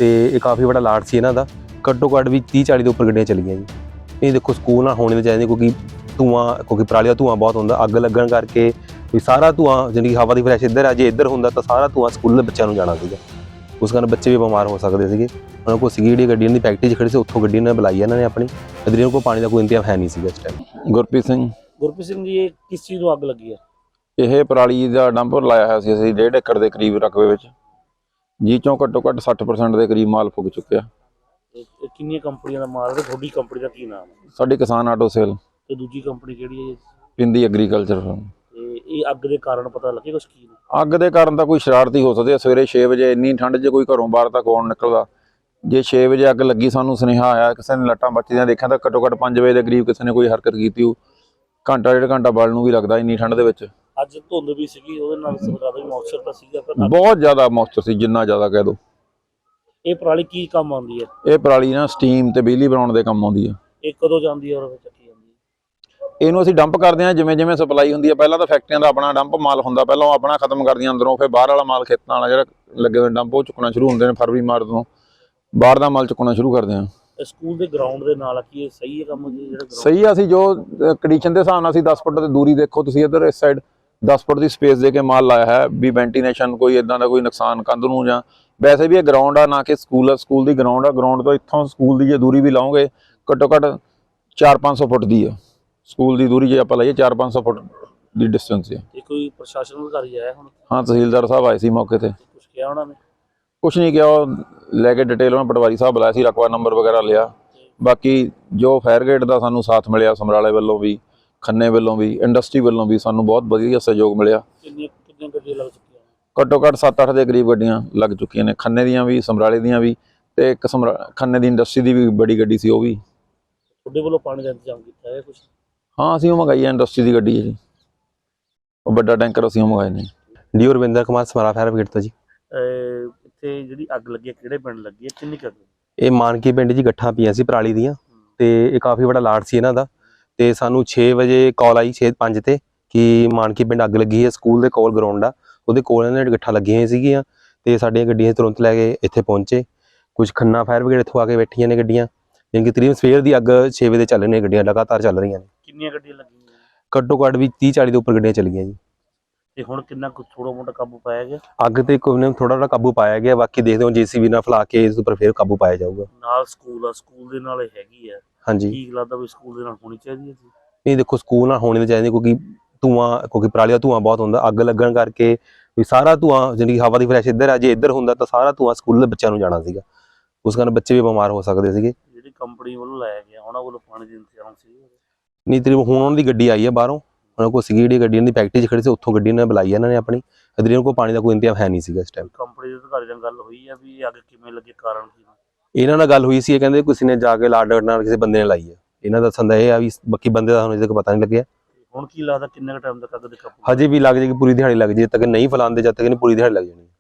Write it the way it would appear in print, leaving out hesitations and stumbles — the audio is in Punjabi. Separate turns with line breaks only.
ਤੇ ਇਹ ਕਾਫੀ ਬੜਾ ਲਾਟ ਸੀ ਇਹਨਾਂ ਦਾ। ਘੱਟੋ ਘੱਟ ਵੀ 30-40 ਦੇ ਉੱਪਰ ਗੱਡੀਆਂ ਚਲੀਆਂ ਜੀ। ਇਹ ਦੇਖੋ ਸਕੂਲ ਨਾ ਹੋਣੇ ਚਾਹੀਦੇ ਕਿਉਂਕਿ ਕਿਉਂਕਿ ਪਰਾਲੀ ਦਾ ਧੂੰਆਂ ਬਹੁਤ ਹੁੰਦਾ। ਅੱਗ ਲੱਗਣ ਕਰਕੇ ਵੀ ਸਾਰਾ ਧੂੰਆਂ ਜਿਹੜੀ ਹਵਾ ਦੀ ਫਰੈਸ਼ ਇੱਧਰ ਆ, ਜੇ ਇੱਧਰ ਹੁੰਦਾ ਤਾਂ ਸਾਰਾ ਧੂੰਆਂ ਸਕੂਲ ਦੇ ਬੱਚਿਆਂ ਨੂੰ ਜਾਣਾ ਸੀਗਾ। ਉਸ ਕਾਰਨ ਬੱਚੇ ਵੀ ਬਿਮਾਰ ਹੋ ਸਕਦੇ ਸੀਗੇ। ਉਹਨਾਂ ਕੋਲ ਸੀਗੀ ਜਿਹੜੀ ਗੱਡੀ ਦੀ ਫੈਕਟਰੀ 'ਚ ਖੜੀ ਸੀ, ਉੱਥੋਂ ਗੱਡੀ ਨੇ ਬੁਲਾਈ ਇਹਨਾਂ ਨੇ ਆਪਣੀ। ਅਦਰੀਆਂ ਕੋਲ ਪਾਣੀ ਦਾ ਕੋਈ ਇੰਤਜ਼ਾਮ ਹੈ ਨਹੀਂ ਸੀਗਾ ਇਸ ਟਾਈਮ।
ਗੁਰਪ੍ਰੀਤ ਸਿੰਘ
ਜੀ, ਇਹ ਕਿਸ ਚੀਜ਼ ਨੂੰ ਅੱਗ ਲੱਗੀ ਹੈ?
ਇਹ ਪਰਾਲੀ ਦਾ ਡੰਪਰ ਲਾਇਆ ਹੋਇਆ ਸੀ ਅਸੀਂ 1.5 ਏਕੜ ਦੇ ਕਰੀਬ ਰਕਬੇ ਵਿੱਚ, ਜੀ ਚੋਂ ਘੱਟੋ ਘੱਟ 60% ਦੇ ਕਰੀਬ ਮਾਲ ਫੁੱਕ ਚੁੱਕਿਆ।
ਇਹ ਕਿੰਨੀਆਂ ਕੰਪਨੀਆਂ ਦਾ ਮਾਲ ਹੈ? ਤੁਹਾਡੀ ਕੰਪਨੀ ਦਾ ਕੀ ਨਾਮ ਹੈ?
ਸਾਡੀ ਕਿਸਾਨ ਆਟੋ ਸੇਲ
ਤੇ ਦੂਜੀ ਕੰਪਨੀ ਕਿਹੜੀ ਹੈ?
ਪਿੰਦੀ ਐਗਰੀਕਲਚਰ।
ਤੇ ਇਹ ਅੱਗ ਦੇ ਕਾਰਨ ਪਤਾ ਲੱਗੇ ਕੁਛ ਕੀ ਨੇ?
ਅੱਗ ਦੇ ਕਾਰਨ ਤਾਂ ਕੋਈ ਸ਼ਰਾਰਤੀ ਹੋ ਸਕਦੇ ਆ। ਸਵੇਰੇ 6 ਵਜੇ ਇੰਨੀ ਠੰਡ 'ਚ ਕੋਈ ਘਰੋਂ ਬਾਹਰ ਤਾਂ ਕੌਣ ਨਿਕਲਦਾ। ਜੇ 6 ਵਜੇ ਅੱਗ ਲੱਗੀ, ਸਾਨੂੰ ਸੁਨੇਹਾ ਆਇਆ, ਕਿਸੇ ਨੇ ਲੱਟਾਂ ਬੱਚੀਆਂ ਦੇਖਿਆ ਤਾਂ ਘੱਟੋ ਘੱਟ 5 ਵਜੇ ਦੇ ਕਰੀਬ ਕਿਸੇ ਨੇ ਕੋਈ ਹਰਕਤ ਕੀਤੀ ਹੋ। ਘੰਟਾ 1.5 ਘੰਟਾ ਬਲ ਨੂੰ ਵੀ ਲੱਗਦਾ ਇੰਨੀ ਠੰਡ ਦੇ ਵਿੱਚ।
ਅੱਜ ਧੁੰਦ ਵੀ ਸੀਗੀ, ਉਹਦੇ ਨਾਲ ਜ਼ਿਆਦਾ ਵੀ ਮੌਇਸਚਰ ਤਾਂ ਸੀਗਾ ਫਿਰ।
ਬਹੁਤ ਜ਼ਿਆਦਾ ਮੌਇਸਚਰ ਸੀ, ਜਿੰਨਾ ਜ਼ਿਆਦਾ ਕਹਿ ਦੋ।
ਇਹ ਪਰਾਲੀ ਕੀ ਕੰਮ ਆਉਂਦੀ ਹੈ?
ਇਹ ਪਰਾਲੀ ਨਾ ਸਟੀਮ ਤੇ ਬਿਜਲੀ ਬਣਾਉਣ ਦੇ ਕੰਮ ਆਉਂਦੀ ਆ।
ਇਹ ਕਦੋਂ ਜਾਂਦੀ ਹੈ ਔਰ ਚੱਕੀ ਜਾਂਦੀ ਹੈ?
ਇਹਨੂੰ ਅਸੀਂ ਡੰਪ ਕਰਦੇ ਹਾਂ ਜਿਵੇਂ ਜਿਵੇਂ ਸਪਲਾਈ ਹੁੰਦੀ ਹੈ। ਪਹਿਲਾਂ ਤਾਂ ਫੈਕਟਰੀਆਂ ਦਾ ਆਪਣਾ ਡੰਪ ਮਾਲ ਹੁੰਦਾ, ਪਹਿਲਾਂ ਉਹ ਆਪਣਾ ਖਤਮ ਕਰਦੀਆਂ ਅੰਦਰੋਂ, ਫਿਰ ਬਾਹਰ ਵਾਲਾ ਮਾਲ ਖੇਤਾਂ ਵਾਲਾ ਜਿਹੜਾ ਲੱਗੇ ਹੋਏ ਡੰਪ ਉਹ ਚੁੱਕਣਾ ਸ਼ੁਰੂ ਹੁੰਦੇ ਨੇ। ਫਰਵਰੀ ਮਾਰਚ ਤੋਂ ਬਾਹਰ ਦਾ ਮਾਲ ਚੁੱਕਣਾ ਸ਼ੁਰੂ ਕਰਦੇ ਹਾਂ।
ਸਕੂਲ ਦੇ ਗਰਾਊਂਡ ਦੇ ਨਾਲ ਕੀ ਇਹ ਸਹੀ ਹੈ ਕੰਮ ਜੀ? ਜਿਹੜਾ
ਸਹੀ ਆ। ਅਸੀਂ ਜੋ ਕੰਡੀਸ਼ਨ ਦੇ ਹਿਸਾਬ ਨਾਲ ਅਸੀਂ 10 ਫੁੱਟ ਦੀ ਦੂਰੀ, ਦੇਖੋ ਤੁਸੀਂ ਇੱਧਰ ਇਸ ਸਾਈਡ 10 ਫੁੱਟ ਦੀ ਸਪੇਸ ਦੇ ਕੇ ਮਾਲ ਲਾਇਆ ਹੈ ਵੀ ਵੈਂਟੀਲੇਸ਼ਨ ਕੋਈ ਇਦਾਂ ਦਾ ਕੋਈ ਨੁਕਸਾਨ ਕੰਧ ਨੂੰ ਜਾਂ ਵੈਸੇ ਵੀ ਇਹ ਗਰਾਊਂਡ ਆ, ਨਾ ਕਿ ਸਕੂਲ ਆ। ਸਕੂਲ ਦੀ ਗਰਾਊਂਡ ਆ। ਗਰਾਊਂਡ ਤੋਂ ਇੱਥੋਂ ਸਕੂਲ ਦੀ ਜੇ ਦੂਰੀ ਵੀ ਲਾਓਗੇ ਘੱਟੋ ਘੱਟ 400-500 ਫੁੱਟ ਦੀ ਆ। ਸਕੂਲ ਦੀ ਦੂਰੀ ਜੇ ਆਪਾਂ ਲਾਈਏ 400-500 ਫੁੱਟ ਦੀ ਡਿਸਟੈਂਸ ਹੈ।
ਇਹ ਕੋਈ ਪ੍ਰਸ਼ਾਸਨ ਅਧਿਕਾਰੀ ਆਇਆ ਹੁਣ?
ਹਾਂ, ਤਹਿਸੀਲਦਾਰ ਸਾਹਿਬ ਆਏ ਸੀ ਮੌਕੇ ਤੇ।
ਕੁਛ ਕਿਹਾ ਉਹਨਾਂ ਨੇ?
ਕੁਛ ਨਹੀਂ ਕਿਹਾ, ਉਹ ਲੈ ਕੇ ਡਿਟੇਲ ਉਹਨਾਂ ਪਟਵਾਰੀ ਸਾਹਿਬ ਬੁਲਾਇਆ ਸੀ, ਰਕਬਾ ਨੰਬਰ ਵਗੈਰਾ ਲਿਆ। ਬਾਕੀ ਜੋ ਫਾਇਰ ਗੇਟ ਦਾ ਸਾਨੂੰ ਸਾਥ ਮਿਲਿਆ ਸਮਰਾਲੇ ਵੱਲੋਂ ਵੀ, ਖੰਨੇ ਵੱਲੋਂ ਵੀ, ਇੰਡਸਟਰੀ ਵੱਲੋਂ ਵੀ ਸਾਨੂੰ ਬਹੁਤ ਵਧੀਆ ਸਹਿਯੋਗ ਮਿਲਿਆ।
ਕਿੰਨੀਆਂ ਗੱਡੀਆਂ ਲੱਗ ਚੁੱਕੀਆਂ?
ਘੱਟੋ ਘੱਟ 7-8 ਦੇ ਕਰੀਬ ਗੱਡੀਆਂ ਲੱਗ ਚੁੱਕੀਆਂ ਨੇ, ਖੰਨੇ ਦੀਆਂ ਵੀ, ਸਮਰਾਲੇ ਦੀਆਂ ਵੀ, ਤੇ ਇੱਕ ਖੰਨੇ ਦੀ ਇੰਡਸਟਰੀ ਦੀ ਵੀ ਬੜੀ ਗੱਡੀ ਸੀ, ਉਹ ਵੀ।
ਤੁਹਾਡੇ ਵੱਲੋਂ ਪਾਣੀ ਦਾ ਇੰਤਜ਼ਾਮ ਕੀਤਾ ਹੈ ਕੁਛ?
ਹਾਂ, ਅਸੀਂ ਉਹ ਮੰਗਾਈ ਹੈ, ਇੰਡਸਟਰੀ ਦੀ ਗੱਡੀ ਹੈ ਜੀ, ਉਹ ਵੱਡਾ ਟੈਂਕਰ ਅਸੀਂ ਉਹ ਮੰਗਾਏ ਨੇ।
D Ravinder Kumar, Samra fire brigade ਤੋਂ ਜੀ।
ਇੱਥੇ ਜਿਹੜੀ ਅੱਗ ਲੱਗੀ ਹੈ ਕਿਹੜੇ ਪਿੰਡ ਲੱਗੀ ਹੈ, ਕਿੰਨੀ ਕੁ ਅੱਗ?
ਇਹ ਮਾਨਕੀ ਪਿੰਡ ਜੀ, ਗੱਠਾਂ ਪਈਆਂ ਸੀ ਪਰਾਲੀ ਦੀਆਂ ਤੇ ਇਹ ਕਾਫੀ ਬੜਾ ਲਾਟ ਸੀ ਇਹਨਾਂ ਦਾ। ਤੇ ਸਾਨੂੰ 6 ਵਜੇ ਕਾਲ ਆਈ, 6:05 ਤੇ, ਕਿ ਮਾਨਕੀ ਪਿੰਡ ਅੱਗ ਲੱਗੀ ਹੈ। ਸਕੂਲ ਦੇ ਕੋਲ ਗਰਾਊਂਡ ਆ, ਉਹਦੇ ਕੋਲ ਇਹਨਾਂ ਨੇ ਗੱਠਾਂ ਲੱਗੀਆਂ ਹੋਈਆਂ ਸੀਗੀਆਂ ਤੇ ਸਾਡੀਆਂ ਗੱਡੀਆਂ ਤੁਰੰਤ ਲੈ ਕੇ ਇੱਥੇ ਪਹੁੰਚੇ। ਕੁਝ ਖੰਨਾ ਫਾਇਰ ਬ੍ਰਿਗੇਡ ਇੱਥੋਂ ਆ ਕੇ ਬੈਠੀਆਂ ਨੇ ਗੱਡੀਆਂ, ਜਿਵੇਂ ਕਿ ਤਕਰੀਬਨ ਸਵੇਰ ਦੀ ਅੱਗ 6 ਵਜੇ ਚੱਲ ਰਹੀਆਂ ਗੱਡੀਆਂ, ਲਗਾਤਾਰ ਚੱਲ ਰਹੀਆਂ ਨੇ।
ਕਿੰਨੀਆਂ ਗੱਡੀਆਂ ਲੱਗੀਆਂ?
ਘੱਟੋ ਘੱਟ ਵੀ 30-40 ਦੇ ਉੱਪਰ ਗੱਡੀਆਂ ਚਲੀਆਂ ਜੀ।
ਤੇ ਹੁਣ ਕਿੰਨਾ ਕੁ ਥੋੜਾ ਮੋਟਾ ਕਾਬੂ ਪਾਇਆ ਗਿਆ?
ਅੱਗ ਤੇ ਕੋਈ ਨੇ ਥੋੜਾ ਥੋੜਾ ਕਾਬੂ ਪਾਇਆ ਗਿਆ, ਬਾਕੀ ਦੇਖਦੇ ਹਾਂ JCB ਨਾਲ ਫਲਾ ਕੇ ਇਸ ਉੱਪਰ ਫਿਰ ਕਾਬੂ ਪਾਇਆ ਜਾਊਗਾ।
ਨਾਲ ਸਕੂਲ ਆ, ਸਕੂਲ ਦੇ ਨਾਲ ਹੈਗੀ ਆ।
ਹਾਂਜੀ,
ਠੀਕ ਲੱਗਦਾ ਵੀ ਸਕੂਲ ਦੇ ਨਾਲ ਹੋਣੀ ਚਾਹੀਦੀ ਹੈ ਜੀ?
ਨਹੀਂ ਦੇਖੋ ਸਕੂਲ ਨਾਲ ਹੋਣੇ ਚਾਹੀਦੇ ਕਿਉਂਕਿ ਪਰਾਲੀ ਦਾ ਧੂੰਆਂ ਬਹੁਤ ਹੁੰਦਾ। ਅੱਗ ਲੱਗਣ ਕਰਕੇ ਵੀ ਸਾਰਾ ਧੂੰਆਂ ਜਿਹੜੀ ਹਵਾ ਦੀ ਫਰੈਸ਼ ਇੱਧਰ ਆ, ਜੇ ਇੱਧਰ ਹੁੰਦਾ ਤਾਂ ਸਾਰਾ ਧੂੰਆਂ ਸਕੂਲ ਦੇ ਬੱਚਿਆਂ ਨੂੰ ਜਾਣਾ ਸੀਗਾ। ਉਸ ਕਾਰਨ ਬੱਚੇ ਵੀ ਬਿਮਾਰ ਹੋ ਸਕਦੇ ਸੀਗੇ।
ਜਿਹੜੀ ਕੰਪਨੀ ਵੱਲੋਂ ਲਾਇਆ ਗਿਆ ਉਹਨਾਂ ਵੱਲੋਂ ਪਾਣੀ ਦੀ ਇੰਤਜ਼ਾਮ ਸੀ?
ਨਹੀਂ, ਤਕਰੀਬਨ ਹੁਣ ਉਹਨਾਂ ਦੀ ਗੱਡੀ ਆਈ ਹੈ ਬਾਹਰੋਂ। ਉਹਨਾਂ ਕੋਲ ਸੀਗੀ ਜਿਹੜੀ ਗੱਡੀ ਦੀ ਫੈਕਟਰੀ 'ਚ ਖੜੀ ਸੀ, ਉੱਥੋਂ ਗੱਡੀ ਨੇ ਬੁਲਾਈ ਇਹਨਾਂ ਨੇ ਆਪਣੀ। ਅਦਰੀਆਂ ਕੋਲ ਪਾਣੀ ਦਾ ਕੋਈ ਇੰਤਜ਼ਾਮ ਹੈ ਨਹੀਂ ਸੀਗਾ ਇਸ ਟਾਈਮ।
ਕੰਪਨੀ ਦੇ ਅਧਿਕਾਰੀ ਨਾਲ ਗੱਲ ਹੋਈ ਹੈ ਵੀ ਅੱਗ ਕਿਵੇਂ ਲੱਗੀ, ਕਾਰਨ ਕੀ?
ਇਹਨਾਂ ਨਾਲ ਗੱਲ ਹੋਈ ਸੀ, ਇਹ ਕਹਿੰਦੇ ਕਿਸੇ ਨੇ ਜਾ ਕੇ ਲਾਡ ਨਾਲ ਕਿਸੇ ਬੰਦੇ ਨੇ ਲਾਈ ਹੈ। ਇਹਨਾਂ ਦਾ ਦੱਸਣ ਇਹ ਆ ਵੀ ਬਾਕੀ ਬੰਦੇ ਦਾ ਸਾਨੂੰ ਅਜੇ ਤੱਕ ਪਤਾ ਨਹੀਂ ਲੱਗਿਆ।
ਹੁਣ ਕੀ ਲੱਗਦਾ ਕਿੰਨੇ ਕੁ ਟਾਈਮ ਤੱਕ ਅੱਗ ਦੇ ਕਾਬੂ?
ਹਜੇ ਵੀ ਲੱਗ ਜਾਏਗੀ, ਪੂਰੀ ਦਿਹਾੜੀ ਲੱਗ ਜੇ, ਜਦ ਤੱਕ ਨਹੀਂ ਫੈਲਾਉਂਦੇ, ਜਦ ਤੱਕ ਨਹੀਂ ਪੂਰੀ ਦਿਹਾੜੀ ਲੱਗ ਜਾਣੀ।